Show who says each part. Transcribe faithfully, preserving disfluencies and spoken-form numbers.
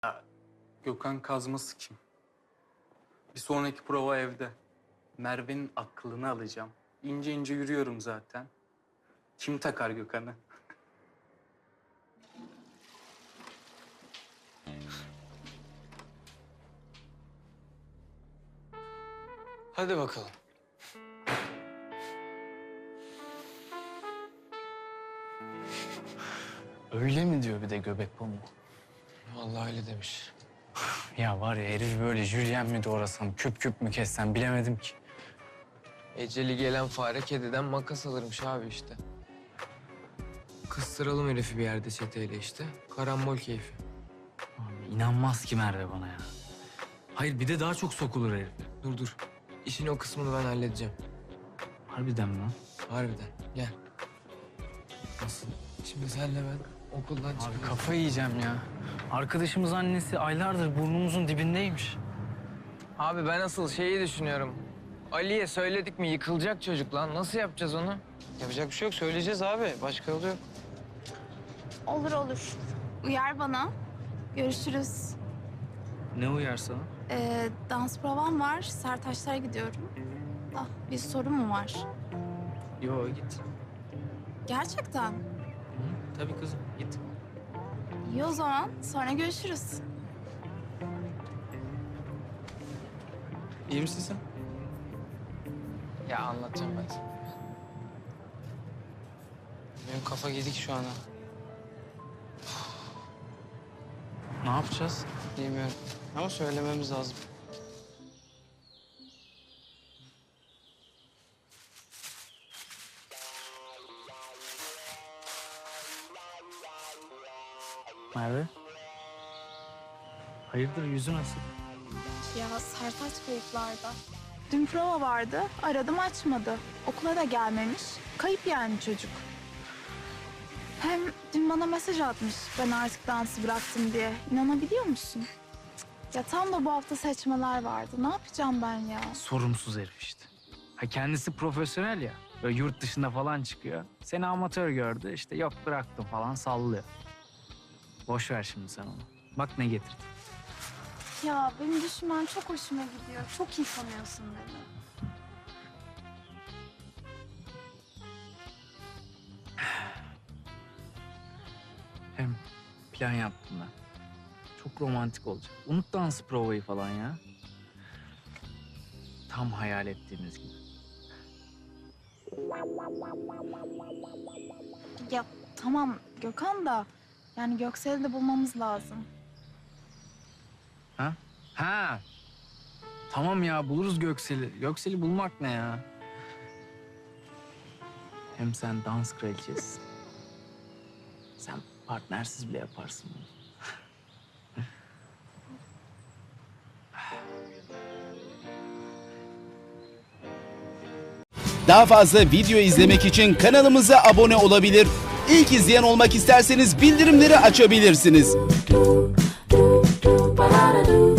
Speaker 1: Ya, Gökhan Kazması kim? Bir sonraki prova evde. Merve'nin aklını alacağım. İnce ince yürüyorum zaten. Kim takar Gökhan'ı?
Speaker 2: Hadi bakalım.
Speaker 3: Öyle mi diyor bir de göbek pamuğu?
Speaker 2: Vallahi öyle demiş.
Speaker 3: Ya var ya herif böyle jülyen mi doğrasam, küp küp mü kessem bilemedim ki.
Speaker 2: Eceli gelen fare kediden makas alırmış abi işte. Kıstıralım herifi bir yerde çeteyle işte. Karambol keyfi.
Speaker 3: Abi inanmaz ki Merve bana ya. Hayır bir de daha çok sokulur herif.
Speaker 2: Dur dur. İşin o kısmını ben halledeceğim.
Speaker 3: Harbiden mi lan?
Speaker 2: Harbiden. Gel.
Speaker 3: Nasıl?
Speaker 2: Şimdi senle ben okuldan
Speaker 3: Abi
Speaker 2: çıkıyoruz.
Speaker 3: kafayı yiyeceğim ya. Arkadaşımız annesi aylardır burnumuzun dibindeymiş.
Speaker 2: Abi ben asıl şeyi düşünüyorum. Ali'ye söyledik mi yıkılacak çocuk lan. Nasıl yapacağız onu?
Speaker 4: Yapacak bir şey yok. Söyleyeceğiz abi. Başka yolu yok.
Speaker 5: Olur olur. Uyar bana. Görüşürüz.
Speaker 3: Ne uyar sana?
Speaker 5: Ee, dans provam var. Sertaçlara gidiyorum. Ah, bir sorun mu var?
Speaker 3: Yo git.
Speaker 5: Gerçekten.
Speaker 3: Hı, tabii kızım git.
Speaker 5: İyi o zaman. Sonra görüşürüz.
Speaker 3: İyi misin sen?
Speaker 2: Ya anlatacağım ben sana.
Speaker 4: Benim kafa gidik şu an ha.
Speaker 3: Ne yapacağız?
Speaker 4: Bilmiyorum. Ama söylememiz lazım.
Speaker 3: Merve? Hayırdır yüzü nasıl?
Speaker 5: Ya Sertaç kayıplarda. Dün prova vardı. Aradım açmadı. Okula da gelmemiş. Kayıp yani çocuk. Hem dün bana mesaj atmış. Ben artık dansı bıraktım diye. İnanabiliyor musun? Ya tam da bu hafta seçmeler vardı. Ne yapacağım ben ya?
Speaker 3: Sorumsuz herif işte. Ha kendisi profesyonel ya. Böyle yurt dışında falan çıkıyor. Seni amatör gördü işte yok bıraktım falan sallıyor. Boş ver şimdi sen onu. Bak ne getirdi.
Speaker 5: Ya benim düşünmen çok hoşuma gidiyor. Çok iyi tanıyorsun beni.
Speaker 3: Hem plan yaptım ben. Çok romantik olacak. Unut dans provayı falan ya. Tam hayal ettiğimiz gibi.
Speaker 5: Ya tamam Gökhan da yani Göksel'i de bulmamız lazım.
Speaker 3: Ha? Ha. Tamam ya buluruz Göksel'i. Göksel'i bulmak ne ya? Hem sen dans kraliçesisin. Sen partnersiz bile yaparsın bunu.
Speaker 6: Daha fazla video izlemek için kanalımıza abone olabilir. İlk izleyen olmak isterseniz bildirimleri açabilirsiniz.
Speaker 7: do do do ba da do